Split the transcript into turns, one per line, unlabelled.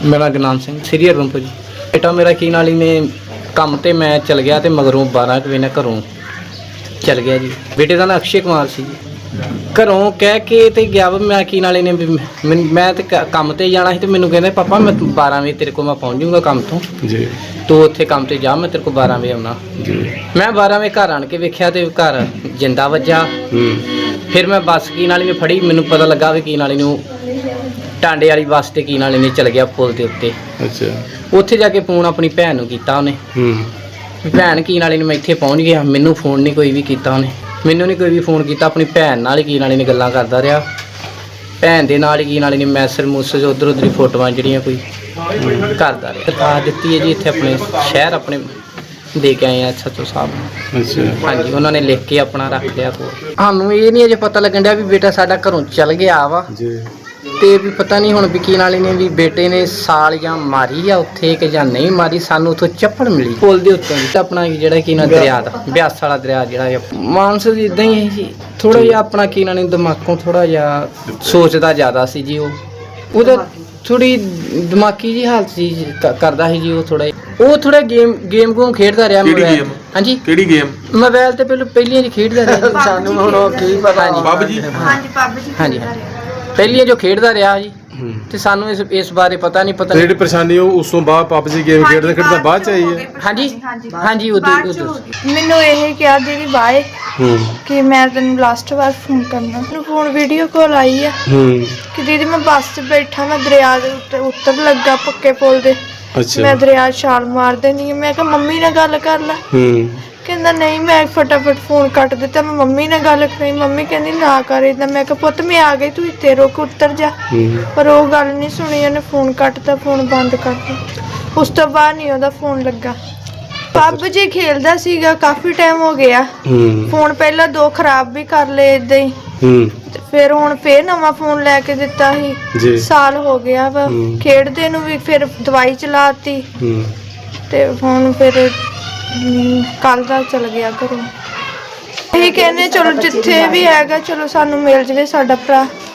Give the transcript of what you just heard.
मेरा गुरनाम सिंह श्री हरगोबिंदपुर जी। बेटा मेरा की नाली ने काम ते मैं चल गया तो मगरों 12 बजे घरों चल गया जी। बेटे का नाम अक्षय कुमार सी जी। घरों कह के ते गया वा मैं की नाली ने मैं तो काम ते जाना ਸੀ ਤੇ ਮੈਨੂੰ ਕਹਿੰਦੇ पापा मैं 12 वजे तेरे को मैं पहुँच जाऊँगा काम तो जी। तू उत्थे काम ते जा मैं तेरे को 12 वजे आना जी। मैं 12 वजे घर आन के वेख्या ते घर जिंदा वज्जा। फिर मैं बस की नाली में फड़ी, मैनू पता लगा भी की नाली नूं टांडे वाली बस ते की नाली ने चल गया पुल के उत्ते। अच्छा उत्थे जाके फोन अपनी भैन नूं कीता उन्हें। भैन की नाली मैं इत्थे पहुँच गया, मैनू फोन नहीं कोई भी कीता उन्हें, मैनू नहीं कोई भी फोन किया। अपनी भैन नाल की नाली ने गल्लां करदा रहा। भैन दे नाल की नाली ने मैसेज मूसेज उधर उधर फोटोआं जिहड़ियां कोई करदा रहा। दरखास्त दित्ती है जी इत्थे अपने शहर अपने दे के आए SHO साहब। अच्छा हाँ जी, उन्होंने लिख के अपना रख लिया कोल। सानूं ये नहीं अजे पता लगन दिया भी बेटा साडा घरों चल गया वा जी। ते भी पता नहीं हुण विकी नाली ने भी बेटे ने साल जां मारी आ उत्थे कि जां नहीं मारी। सानूं उत्थों चप्पड़ मिली पुल दे उत्तों अपना जिहड़ा की ना दरिया दा ब्यास वाला दरिया जिहड़ा मानसर इदां ही है जी। थोड़ा जिहा अपना की नाली दिमागों थोड़ा जिहा सोचदा ज़्यादा सी जी। ओहदा थोड़ी दिमागी जी हालत जी करदा सी जी। ਉਹ ਥੋੜਾ ਗੇਮ ਗੂਮ ਖੇਡਦਾ ਰਿਹਾ ਮੋਬਾਈਲ। ਹਾਂਜੀ ਕਿਹੜੀ ਗੇਮ? ਮੋਬਾਈਲ ਤੇ ਪਹਿਲੀਆਂ ਜੀ ਖੇਡਦਾ ਰਿਹਾ। ਸਾਨੂੰ ਹੁਣ ਕੀ ਪਤਾ ਜੀ। ਪੱਬ ਜੀ ਹਾਂਜੀ ਪੱਬ ਜੀ ਹਾਂਜੀ ਪਹਿਲੀਆਂ ਜੋ ਖੇਡਦਾ ਰਿਹਾ ਜੀ। ਤੇ ਸਾਨੂੰ ਇਸ ਬਾਰੇ ਪਤਾ ਨਹੀਂ ਜਿਹੜੀ ਪਰੇਸ਼ਾਨੀ ਉਸ ਤੋਂ ਬਾਅਦ ਪੱਬ ਜੀ ਗੇਮ ਖੇਡਦਾ ਬਾਅਦ ਚ ਆਈ ਹੈ। ਹਾਂਜੀ ਹਾਂਜੀ ਉਦੋਂ
ਮੈਨੂੰ ਇਹ ਕਿਹਾ ਦੀਦੀ ਬਾਏ ਕਿ ਮੈਂ ਤੈਨੂੰ ਲਾਸਟ ਵਾਰ ਫੋਨ ਕਰਨਾ। ਮੈਨੂੰ ਫੋਨ ਵੀਡੀਓ ਕਾਲ ਆਈ ਆ ਕਿ ਦੀਦੀ ਮੈਂ ਬੱਸ 'ਚ ਬੈਠਾ, ਮੈਂ ਦਰਿਆ ਦੇ ਉੱਤੇ ਉਤਰ ਲੱਗਾ ਪੱਕੇ ਪੁਲ ਦੇ। मैं दरिया छाल मार देनी है। मैं कहा मम्मी ने गल कर ला। कहना नहीं, मैं फटाफट फोन कट दिता। मैं मम्मी ने गल करी, मम्मी कहनी ना कर इदा। मैं कहा पुत्त मैं आ गई, तू इत्ते रुक उतर जा। पर वो गल नहीं सुनी, उन्हें फोन कटता, फोन बंद करता। उस तो बाद नहीं ओहदा फोन लगा। पब जी खेलदा सीगा काफी टाइम हो गया। फोन पहला 2 खराब भी कर ले इदा ही। फिर हुण फिर नवा फोन लैके दिता ही। साल हो गया वा खेडदे नूं भी। फिर दवाई चलाती ते हुण फिर कल दा चल गया घरों। यही कहने चलो जिथे भी हैगा चलो सानू मिल जावे साडा भरा।